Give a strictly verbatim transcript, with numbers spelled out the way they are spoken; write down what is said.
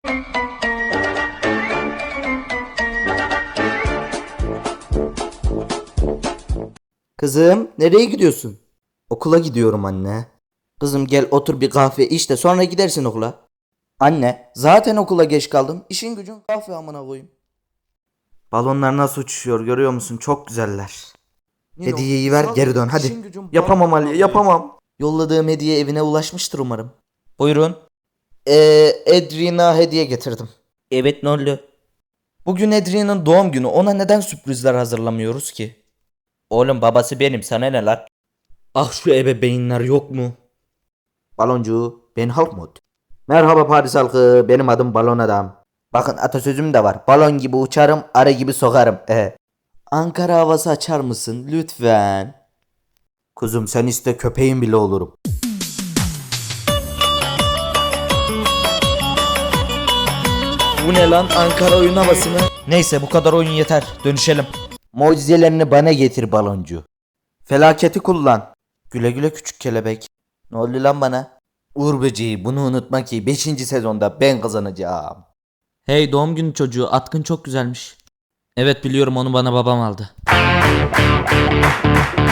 Kızım, nereye gidiyorsun? Okula gidiyorum anne. Kızım gel otur bir kahve iç de sonra gidersin okula. Anne, zaten okula geç kaldım. İşin gücün kahve amına koyayım. Balonlar nasıl uçuşuyor görüyor musun? Çok güzeller. Nino, Hediyeyi bir ver sal geri beni. dön hadi. İşin gücün Yapamam balon Ali avlayı. yapamam. Yolladığım hediye evine ulaşmıştır umarım. Buyurun. Ee, Edrina hediye getirdim. Evet ne oldu? Bugün Edrina'nın doğum günü, ona neden sürprizler hazırlamıyoruz ki? Oğlum babası benim, sana ne lan? Ah şu ebeveynler yok mu? Baloncu, ben Halkmut. Merhaba Paris halkı, benim adım Balon Adam. Bakın atasözüm de var. Balon gibi uçarım, arı gibi sokarım. Ee. Ankara havası açar mısın lütfen? Kuzum sen iste köpeğin bile olurum. Bu ne lan, Ankara oyun havası mı? Neyse bu kadar oyun yeter, dönüşelim. Mucizelerini bana getir baloncu. Felaketi kullan. Güle güle küçük kelebek. Ne oldu lan bana? Uğur böceği, bunu unutma ki beşinci sezonda ben kazanacağım. Hey doğum günü çocuğu, atkın çok güzelmiş. Evet biliyorum, onu bana babam aldı.